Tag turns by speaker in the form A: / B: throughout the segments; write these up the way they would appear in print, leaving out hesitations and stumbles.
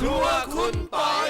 A: ครัวคุณปอย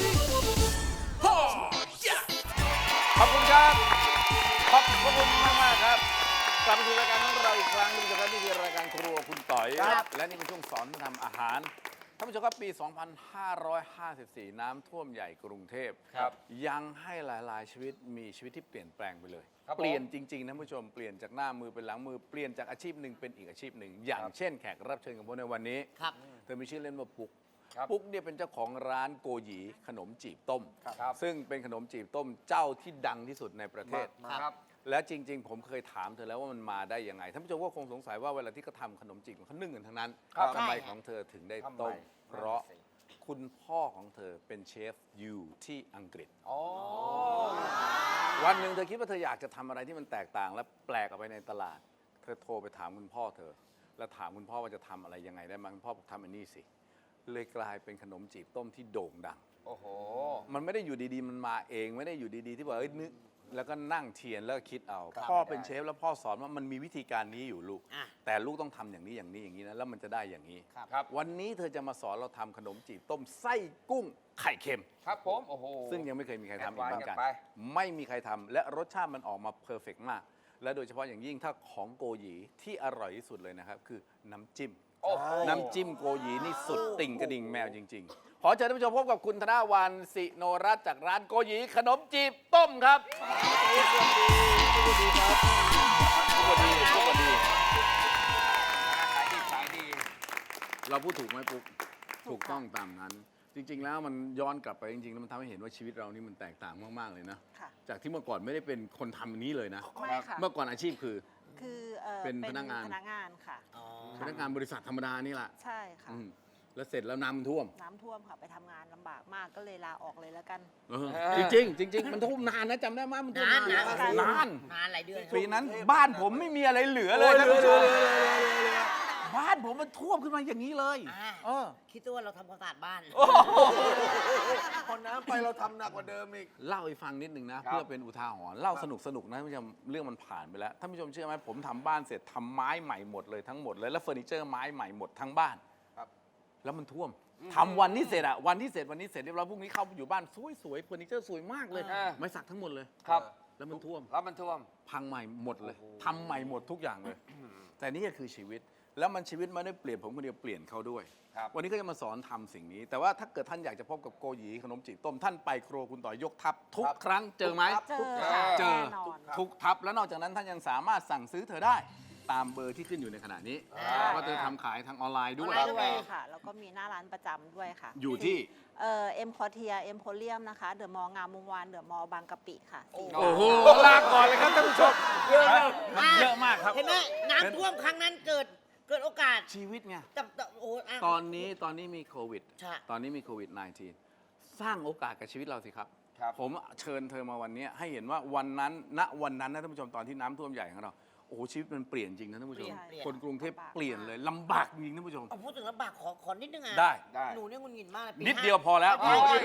A: ขอบคุณครับขอบคุณมากๆครับกลับมาสู่รายการของเราอีกครั้งนึงนะครับนี่คือรายการครัวคุณต่อยและนี่เป็นช่วงสอนทำอาหารท่านผู้ชมครับปี 2554 น้ำท่วมใหญ่กรุงเทพยังให้หลายๆชีวิตมีชีวิตที่เปลี่ยนแปลงไปเลยเปลี่ยนจริงๆนะท่านผู้ชมเปลี่ยนจากหน้ามือเป็นหลังมือเปลี่ยนจากอาชีพหนึ่งเป็นอีกอาชีพหนึ่งอย่างเช่นแขกรับเชิญของผมในวันนี้เธอมีชื่อเล่นว่าปุ๊กปุ๊กเนี่ยเป็นเจ้าของร้านโกหยีขนมจีบต้มซึ่งเป็นขนมจีบต้มเจ้าที่ดังที่สุดในประเทศและจริงๆผมเคยถามเธอแล้วว่ามันมาได้ยังไงท่านผู้ชมก็คงสงสัยว่าเวลาที่เขาทำขนมจีบเขานึ่งกันทั้งนั้นทำไมของเธอถึงได้ต้มเพราะคุณพ่อของเธอเป็นเชฟอยู่ที่อังกฤษวันหนึ่งเธอคิดว่าเธออยากจะทำอะไรที่มันแตกต่างและแปลกออกไปในตลาดเธอโทรไปถามคุณพ่อเธอแล้วถามคุณพ่อว่าจะทำอะไรยังไงได้บ้างคุณพ่อบอกทำอันนี้สิเลยกลายเป็นขนมจีบต้มที่โด่งดังโอ้โหมันไม่ได้อยู่ดีๆมันมาเองไม่ได้อยู่ดีๆที่ว่านึกแล้วก็นั่งเทียนแล้วก็คิดเอาพ่อเป็นเชฟแล้วพ่อสอนว่ามันมีวิธีการนี้อยู่ลูกแต่ลูกต้องทำอย่างนี้อย่างนี้อย่างนี้นะแล้วมันจะได้อย่างนี้วันนี้เธอจะมาสอนเราทำขนมจีบต้มไส้กุ้งไข่เค็ม
B: ครับผมโอ้โห
A: ซึ่งยังไม่เคยมีใครทำอีกเหมือนกันไม่มีใครทำและรสชาติมันออกมาเพอร์เฟกต์มากและโดยเฉพาะอย่างยิ่งถ้าของโกหยีที่อร่อยที่สุดเลยนะครับคือน้ำจิ้มโกหยีนี่สุดติ่งกระดิ่งแมวจริงๆขอเชิญท่านผู้ชมพบกับคุณธนวรรณสิโนรัตน์จากร้านโกหยีขนมจีบต้มครับสวัสดีครับสวัสดี
B: ขายดี
A: เราพูดถูกไหมปุ๊กถูกต้องตามนั้นจริงๆแล้วมันย้อนกลับไปจริงๆแล้วมันทำให้เห็นว่าชีวิตเรานี่มันแตกต่างมากๆเลยนะจากที่เมื่อก่อนไม่ได้เป็นคนทำอันนี้เลยนะเมื่อก่อนอาชีพคือเป็นพนักงาน
C: ค่ะ
A: พนักงานบริษัทธรรมดานี่แหละ
C: ใช่ค่ะ
A: แล้วเสร็จแล้วน้ำท่วม
C: ค่ะไปทำงานลำบากมากก็เลยลาออกเลยแล้วกัน
A: จริงมันท่วมนานนะจำได้ไหมมันท่วมนาน
D: หลายเดือน
A: ปีนั้นบ้านผมไม่มีอะไรเหลือเลยบ้านผมมันท่วมขึ้นมาอย่างนี้เลย
D: คิดว่าเราทำความสะอาดบ้าน
B: พอน้ำไปเราทำหนักกว่าเดิมอีก
A: เล่าให้ฟังนิดนึงนะเพื่อเป็นอุทาหรณ์เล่าสนุกนะท่านผู้ชมเรื่องมันผ่านไปแล้วท่านผู้ชมเชื่อไหมผมทำบ้านเสร็จทำไม้ใหม่หมดเลยทั้งหมดเลยแล้วเฟอร์นิเจอร์ไม้ใหม่หมดทั้งบ้านแล้วมันท่วมทำวันนี้เสร็จวันนี้เสร็จเรียบร้อยพรุ่งนี้เข้าอยู่บ้านสวยเฟอร์นิเจอร์สวยมากเลยไม้สักทั้งหมดเลย
B: ครับ
A: แล้วมันท่วม
B: พั
A: งใหม่หมดเลยทำใหม่หมดทุกอย่างเลยแต่นี่ก็คือชีวิตแล้วมันชีวิตไม่ได้เปลี่ยนผมคนเดียวเปลี่ยนเขาด้วยวันนี้ก็จะมาสอนทำสิ่งนี้แต่ว่าถ้าเกิดท่านอยากจะพบกับโกหยีขนมจีบต้มท่านไปครัวคุณต่อยยกทัพทุกครั้งเจอไหม
C: เจอ
A: ทุกทัพแล้วนอกจากนั้นท่านยังสามารถสั่งซื้อเธอได้ตามเบอร์ที่ขึ้นอยู่ในขณะนี้ก็เธอทำขายทางออนไลน์ด้วย
C: ค่ะแล้วก็มีหน้าร้านประจำด้วยค่ะ
A: อยู่ที่
C: เอ็มพอเทียเอ็มโพเรียมนะคะเดอะมอลล์งามวงวานเดอะมอลล์บางกะปิค่ะ
A: โอ้โหลาก่อนเลยครับท่านผู้ชมเยอะมากครับ
D: เห็นไหมน้ำท่วมครั้งนั้นเกิดโอกาส
A: ชีวิตไงตอนนี้มีโควิดตอนนี้มีโควิด -19 สร้างโอกาสกับชีวิตเราสิครับผมเชิญเธอมาวันนี้ให้เห็นว่าวันนั้นนะท่านผู้ชมตอนที่น้ำท่วมใหญ่ของเราโอ้โหชีวิตมันเปลี่ยนจริงนะท่านผู้ชมคนกรุงเทพเปลี่ยนเลยลำบากจริงท่านผู้ชม
D: พูดถึงลำบากขอนิดนึงอ่ะ
A: ได้
D: หนูเนี่ยงุนงินมากเลย
A: นิดเดียวพอแล้ว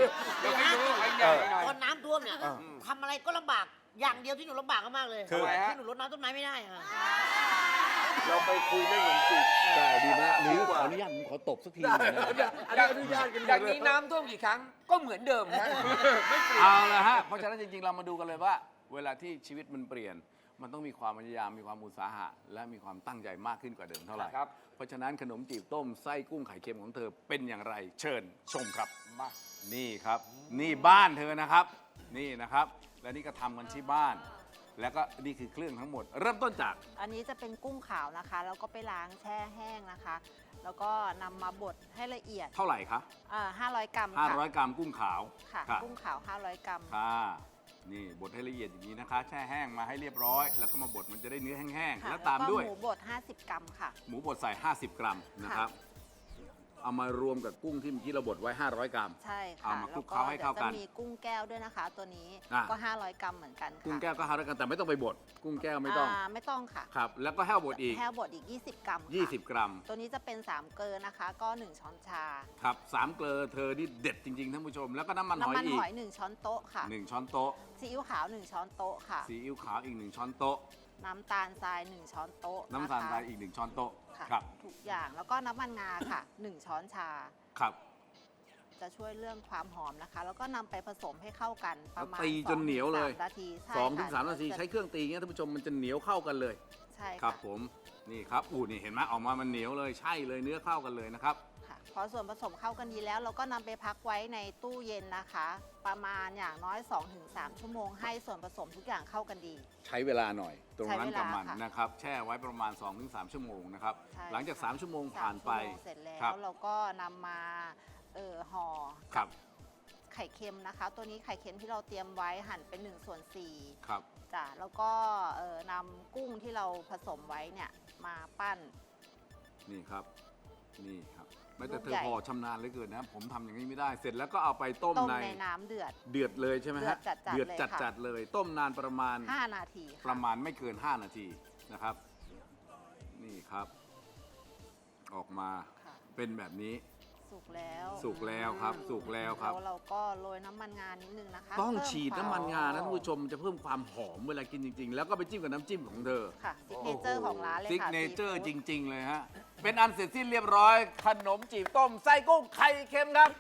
D: ตอนน้ำท่วมเนี่ยทำอะไรก็ลำบากอย่างเดียวที่หนูลำบากมากเลยที่หนูรดน้ำต้นไม้ไม่ได้ค่ะ
B: เราไปคุยเรื่องขนมจีบ
A: ได้ดีมากหรือขออนุญาตขอตบสักทีนะ
B: อนุญาตกันอย่างนี้น้ำท่วมกี่ครั้งก็เหมือนเดิมนะ
A: ไม่เปลี่ยนเอาละฮะเพราะฉะนั้นจริงๆเรามาดูกันเลยว่าเวลาที่ชีวิตมันเปลี่ยนมันต้องมีความพยายามมีความอุตสาหะและมีความตั้งใจมากขึ้นกว่าเดิมเท่าไหร่เพราะฉะนั้นขนมจีบต้มไส้กุ้งไข่เค็มของเธอเป็นอย่างไรเชิญชมครับนี่ครับนี่บ้านเธอนะครับนี่นะครับและนี่ก็ทำกันที่บ้านแล้วก็นี่คือเครื่องทั้งหมดเริ่มต้นจาก
C: อันนี้จะเป็นกุ้งขาวนะคะแล้วก็ไปล้างแช่แห้งนะคะแล้วก็นำมาบดให้ละเอียด
A: เท่าไหร่คะ
C: 500 กรัม
A: 500 กรัมกุ้งขาว
C: ค่ะกุ้งขาว500 กรัม
A: ค่ะนี่บดให้ละเอียดอย่างนี้นะคะแช่แห้งมาให้เรียบร้อยแล้วก็มาบดมันจะได้เนื้อแห้งๆแล้วตามด้วย
C: หมูบด50 กรัมค่ะ
A: หมูบดใส่50 กรัมนะครับเอามารวมกับกุ้งที่เมื่อกี้เราบดไว้500 กรัม
C: ใช่ค่ะ
A: เอามาคลุกเคล้าให้เข้ากัน
C: จะมีกุ้งแก้วด้วยนะคะตัวนี้ก็500 กรัมเหมือนกัน
A: กุ้งแก้วก็500 กรัมแต่ไม่ต้องไปบดกุ้งแก้วไม่ต้อง
C: ค่ะ
A: ครับแล้วก็แห้วบดอีก
C: 20 กรัม
A: 20 กรัม
C: ตัวนี้จะเป็น3เกลือนะคะก็1ช้อนชา
A: ครับ3เกลือเธอนี่เด็ดจริงๆท่านผู้ชมแล้วก็น้ำมันหอย
C: 1ช้อนโต๊ะค่ะ
A: 1ช้อนโต๊ะ
C: ซีอิ๊วขาว1ช้อนโต๊ะค่ะ
A: ซีอิ๊วขาวอีก1ช้อนโต๊ะ
C: น้ำตาลทราย1ช้อนโต๊ะ
A: น้ำตาลทรายอีก1ช้อนโต๊ะ
C: ครับทุกอย่างแล้วก็น้ำมันงาค่ะ1ช้อนชา
A: ครับ
C: จะช่วยเรื่องความหอมนะคะ แล้วก็นำไปผสมให้เข้ากันประมาณ
A: ตีจนเหนียวเลย
C: 2-3 นาทีใช่
A: 2 ถึง 3 นาทีใช้เครื่องตีเงี้ยท่านผู้ชมมันจะเหนียวเข้ากันเลย
C: ใช่
A: ครั
C: ค่ะ
A: บผมนี่ครับนี่เห็นไหมออกมามันเหนียวเลยใช่เลยเนื้อเข้ากันเลยนะครับ
C: ค่ะพอส่วนผสมเข้ากันดีแล้ว เราก็นำไปพักไว้ในตู้เย็นนะคะ ประมาณอย่างน้อย 2-3 ชั่วโมงให้ส่วนผสมทุกอย่างเข้ากันดี
A: ใช้เวลาหน่อยตรงนั้นกับมัน
C: ใช้เวลาค่ะ
A: นะครับแช่ไว้ประมาณ 2-3 ชั่วโมงนะครับ
C: ใช่
A: หลังจาก
C: ค่ะ
A: 3 ชั่วโมงผ่านไป
C: 3 ชั่วโมงเสร็จแล้
A: ครับ
C: วเราก็นำมาห่อ
A: ครับ
C: ไข่เค็มนะคะ ตัวนี้ไข่เค็มที่เราเตรียมไว้หั่นเป็น1/4
A: ครับ
C: จ้ะแล้วก็นำกุ้งที่เราผสมไว้เนี่ยมาปั้น
A: นี่ครับนี่ครับไม่แต่
C: ลูก
A: เธอ
C: ใหญ่
A: พอชำนาญเหลือเกินนะผมทำอย่างนี้ไม่ได้เสร็จแล้วก็เอาไปต้ม
C: ต้ม
A: ใน
C: ในน้ำเดือด
A: เดือดเลยใช่ไหมฮะ
C: เดือดจัดๆเลยค่ะ
A: จัดเลย ต้มนานประมาณ
C: 5 นาทีค่ะ
A: ประมาณไม่เกิน 5 นาทีนะครับ นี่ครับ ออกมา
C: ค่ะ
A: เป็นแบบนี้
C: สุกแล้ว
A: สุกแล้วครับสุกแล้วครับ
C: แล้วเราก็โรยน้ำมันงานิดนึงนะคะ
A: ต้อง
C: เพิ่
A: ฉีด
C: คว
A: น้ำมันงานะท่านผู้ชมจะเพิ่มความหอมเวลากินจริง ๆ แล้วก็ไปจิ้มกับน้ำจิ้มของเธอ
C: ค่ะซิกเนเจอร์ของร้านเลย
A: ซิก
C: ค่ะ
A: เนเจอร์
C: ซี
A: จ
C: ฟู้ด
A: ริง ๆ เลยฮะ เป็นอันเสร็จสิ้นเรียบร้อย ขนมจีบต้มไส้กุ้งไข่เค็มครับ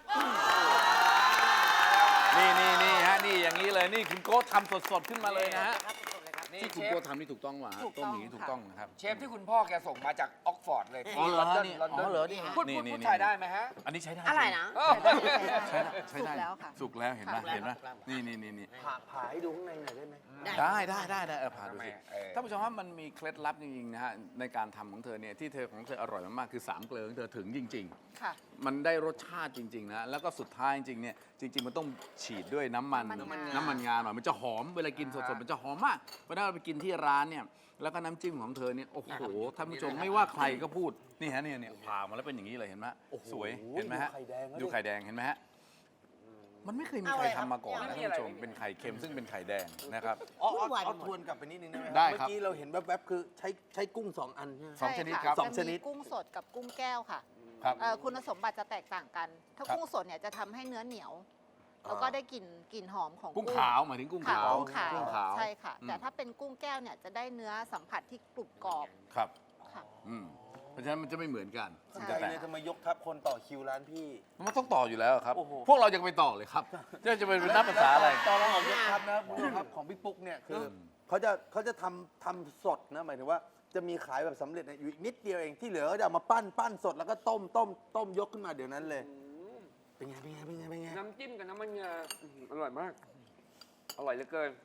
A: นี่ฮะนี่อย่างนี้เลยนี่คุณโก้ทำสดๆขึ้นมาเลยนะฮะ
D: ครับสดๆเลยครับ
B: นี่
A: ที่
B: เช
A: คุณ
B: ฟ
A: โก้ทำนี่ถูกต้องว่ะฮะ
C: ถูก
A: ต้
C: ต้
A: ม
C: อง
A: อย่างนี้ถูก
C: ค่ะ
A: ต้องนะครับ
B: เชฟที่คุณพ่อแกส่งมาจากออกฟอร์ดเลย
A: อ๋อเหรอ
B: ลอนดอน
A: นี่
B: ลอนดอน
A: อ๋อเหรอนี่
B: พูด
A: นี่
B: พูด
A: นี่
B: ไทยได้ไหมฮะ
A: อันนี้ใช้ได้
D: อะไรนะ
A: ใช้ได้ใช้ได้
C: สุกแล้วค่ะ
A: สุกแล้วเห็นไหม
D: สุกแล้ว
A: เห็นไหม
D: สุกแล้ว
A: นี่
E: ผ่าให้ดูข้างในหน่อยได้ไหม
A: ได้ผ่าดูสิ
B: เออ
A: ท่านผู้ชมว่ามันมีเคล็ดลับจริงๆนะฮะในการทำของเธอเนี่ยที่เธอของเธออร่อยมากๆคือ3เกลือของเธอถึงจริง
C: ค่ะ
A: ๆ มันได้รสชาติจริงๆนะแล้วก็สุดท้ายจริงๆเนี่ยจริง ๆ มันต้องฉีดด้วยน้ำมัน
C: น้ำมันงา
A: น้ำมันงาหน่อยมันจะหอมเวลากินสดๆมันจะหอมมากเพราะฉะนั้นเราไปกินที่ร้านเนี่ยแล้วก็น้ำจิ้มของเธอเนี่ยโอ้โหท่านผู้ชมไม่ว่าใครก็พูดนี่ฮะเนี่ยผ่ามาแล้วเป็นอย่างนี้เลยเห็นไหมสวยเห็นไหมฮะ
E: ดูไข่แดงแล้วดิ
A: ดูไข่แดงเห็นไหมฮะมันไม่เคยมี
D: เอา
A: ใคร
D: เลยครับ
A: ทำมาก่อนนะ
B: ไม่
A: ท่าน
B: มีอะไร
A: ผู้ชมเป็นไข่เค็มซึ่งเป็นไข่แดงนะครับ
D: วุ่นวายไปหมด
E: ทวนกลับไปนิดนึงได้ไหม
A: ได้ครับ
E: เมื่อกี้เราเห็นแวบๆคือใช้กุ้ง 2 อันใช่ไหม
A: สองชนิด
C: ใะ
A: ครับ
E: สองชนิด
C: จะมีกุ้งสดกับกุ้งแก้วค่ะ
A: ครับ
C: คุณสมบัติจะแตกต่างกัน ถ้า
A: ครับ
C: กุ้งสดเนี่ยจะทำให้เนื้อเหนียว แล้วก็ได้กลิ่นหอมของ
A: กุ้งขาวหมายถึงกุ้ง
C: ค่ะ
A: ขาว
C: กุ้งขาว
A: กุ้งขาว
C: ใช่ค่ะ
A: อืม
C: แต่ถ้าเป็นกุ้งแก้วเนี่ยจะได้เนื้อสัมผัสที่กรุบกรอบ
A: ครับ
C: ค่ะ
A: เพราะฉะนั้นมันจะไม่เหมือนกัน
E: สนใจเลยทำไมยกทัพคนต่อคิวร้านพี่
A: มันต้องต่ออยู่แล้วครับ
E: โอ้โห
A: พวกเรายังไปต่อเลยครับจะเป็นนับภาษาอะไร
E: ตอนเราออกยกทัพนะคุณผู้ชมครับของพี่ปุ๊กเนี่ยคือเขาจะทำสดนะหมายถึงว่าจะมีขายแบบสำเร็จเนี่ยอยู่อีกนิดเดียวเองที่เหลือก็จะเอามาปั้นสดแล้วก็ต้มยกขึ้นมาเดี๋ยวนั้นเลย เป็นไง
B: น้ำจิ้มกับน้ำมันงาอร่อยมาก อร่อยเหลือเกิน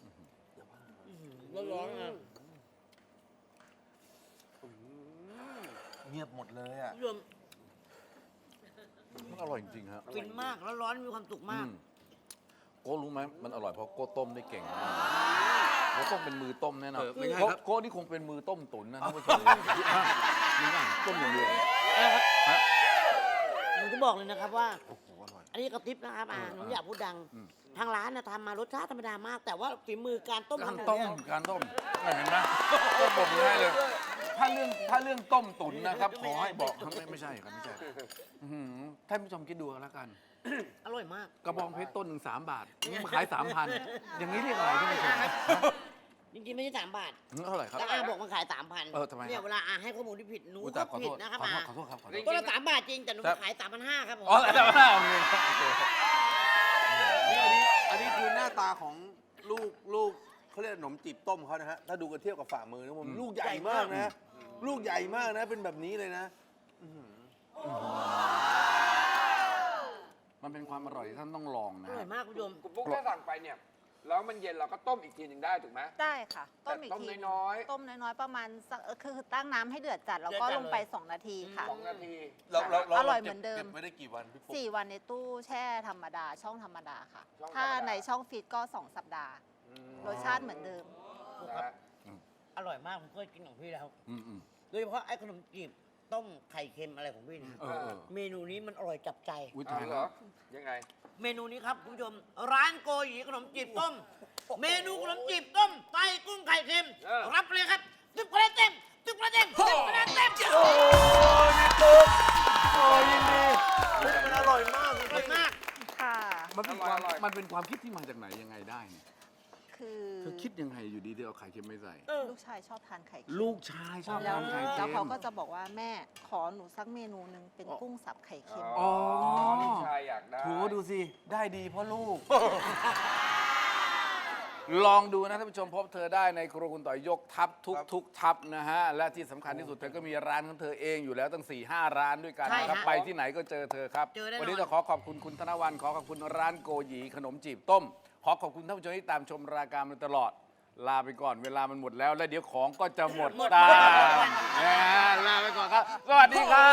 D: ร้อนๆนะ
E: เงียบหมดเลยอ่ะ
D: รวม
A: มันอร่อยจริงๆครับ
D: ฟินมากแล้วร้อนมีความสุขมาก
A: โก้รู้ไหมมันอร่อยเพราะโก้ต้มได้เก่งมากโก้ต้องเป็นมือต้มแน่นอน
E: ไม่ใช่ครับ
A: โก้นี่คงเป็นมือต้มตุ๋นนะท่านผู้ชมนี่นะต้มอย่างเดียว
D: หนูจะบอกเลยนะครับว่า อันนี้กระติบนะครับหนูอยากพูดดัง ทางร้านนะทำมารสชาติธรรมดามาก แต่ว่าฝีมือการต้ม
A: การ
D: ของหนู
A: ต้ม
D: เนี่ย
A: การต้มเห็นไหมก็บอกให้เลย ถ้าเรื่องต้มตุ๋นนะครับขอให้บอกไม่ใช่ครับไม่ใช่อื้อหือท่านผู้ชมคิดดูกันแล้วกัน
D: อร่อยมาก
A: กระบองเพชรต้นหนึ่ง3 บาทนี่มาขาย 3,000 อย่างนี้เรียกอะไรท่านผู้ชม
D: จริงๆไม่ใช่3 บาท
A: เท่าไหร่ครับ
D: แต่อาบอกมันขาย 3,000
A: ทำไมครับ
D: เนี่ยเวลาอาให้ข้อมูลที่ผิดหนู
A: อุ๊ย
D: ก็
A: แต่ขอ
D: ผิ
A: โท
D: ด
A: ษ
D: นะครับ
A: ขอ
D: อา
A: โทษครับขอโทษ
D: ก็ละ3 บาทจริงแต่หนูขาย 3,500 ครับผม
A: อ๋อแต่ว่าโอเคโอเค
E: อันนี้คือหน้าตาของลูกเขาเรียกขนมจีบต้มเขานะฮะถ้าดูกันเทียบกับฝ่ามือนะผมลูกใหญ่มากนะ ลูกใหญ่มากนะเป็นแบบนี้เลยนะ
A: มันเป็นความอร่อยที่ท่านต้องลอง
D: อ
A: นะ
D: ร่อยมากคุณผู้ชม
B: คุณปุ๊กถ้าสั่งไปเนี่ย แล้วมันเย็นเราก็ต้มอีกทีหนึ่งได้ถูกไหม
C: ได้ค่ะ ต้มอีก
B: แต่ต้ม
C: ที
B: น้อยๆ
C: ต้มน้อยๆประมาณสักคือตั้งน้ำให้เดือดจัดแล้วก็
D: เดือดจัด
C: ลงไป
D: เลย
C: 2 นาทีค่ะ
B: 2 นาที
C: อร่อยเหมือนเดิม
E: เก็บไว้ได้กี่วันพี่ปุ๊ก
C: 4 วันในตู้แช่ธรรมดาช่องธรรมดาค่ะ
B: ช่องธรรมดา
C: ถ้าในช่องฟีดก็ 2 สัปดาห์ รสชาติเหมือนเดิม
B: นะฮะ
D: อร่อยมากผมเคยกินของพี่แล้ว
A: อืม
D: โดยเฉพาะไอ้ขนมจีบต้มไข่เค็มอะไรของพี่เนะ
A: เออ
D: เมนูนี้มันอร่อยจับใจ
A: อุ้ย
B: เอา
A: ตาย
B: เหร
A: แล้
B: อ
A: ว
B: ยังไง
D: เมนูนี้ครับคุณผู้ชม ร้านโกหยีขนมจีบต้ม เมนูขนมจีบต้มไส้กุ้งไข่เค็ม
B: เออ
D: รับไปเลยครับ10 คะแนนเต็ม10 คะแนนเต็ม10 คะแนนเต็ม
E: โอ้ยพี่ปุ๊กโอ้ยยินดีมันอร่อยมาก
D: อร่อยมาก
C: ค่ะ
A: มันเป็นความคิดที่มาจากไหนยังไงได้เนี่ย
C: คคือ
A: เธอคิดยังไงอยู่ดีเธอเอาไข่เค็มไม่ใส่
C: ลูกชายชอบทานไข่เค็ม
A: ลูกชายชอบ
C: แล้ว
A: ทานไข่
C: แล้
A: เค็
C: ว
A: ม
C: เขาก็จะบอกว่าแม่ขอหนูสักเมนูหนึ่งเป็นกุ้งสับไข่เค็ม
A: อ๋อ
B: ลูกชายอยากได้
E: โถดูสิ ได้ดีเพราะลูก
A: ลองดูนะท่านผู้ชมพบเธอได้ในครัวคุณต่อยยกทัพทุกทัพนะฮะ และที่สำคัญที่สุดเธอก็มีร้านของเธอเองอยู่แล้วตั้ง 4-5 ร้านด้วยกัน
D: ใช่
A: นะครับ
D: ฮะ
A: ไปที่ไหนก็เจอเธอครับ
D: เจอแน่นอน
A: วันนี้ต้องขอขอบคุณคุณธนวันขอขอบคุณร้านโกหยีขนมจีบต้ม ขอขอบคุณท่านผู้ชมที่ตามชมรายการมาตลอด ลาไปก่อนเวลามันหมดแล้ว และเดี๋ยวของก็จะหมดตามลาไปก่อนครับ สวัสดีครับ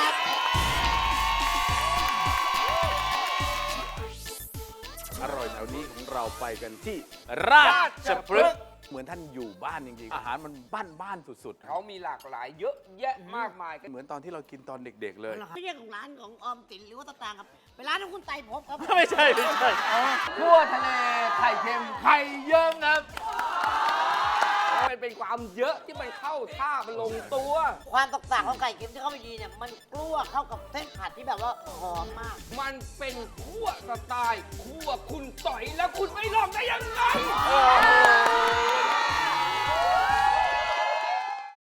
A: อร่อยแถวนี้ของเราไปกันที่ราชพฤกษ์เหมือนท่านอยู่บ้านจริงๆอาหารมันบ้านสุดๆ
B: เขามีหลากหลายเยอะแยะมากมายกัน
A: เหมือนตอนที่เรากินตอนเด็กๆเลย
D: ไม่ใช่ของร้านของออมสินหรือว่าตะตางครับเป็นร้านของคุณไต่ภพครับ
A: ไม่ใช่
B: คั่วทะเลไข่เค็มไข่เยิ้มครับมันเป็นความเยอะที่มันเข้าท่ามันลงตัว
D: ความตกต่างของไก่เค็มที่เข้าไปดีเนี่ยมันกลั้วเข้ากับเส้นผัดที่แบบว่าหอมมาก
B: มันเป็นคั่วสไตล์คั่วคุณต่อยแล้วคุณไม่ลองได้ยังไง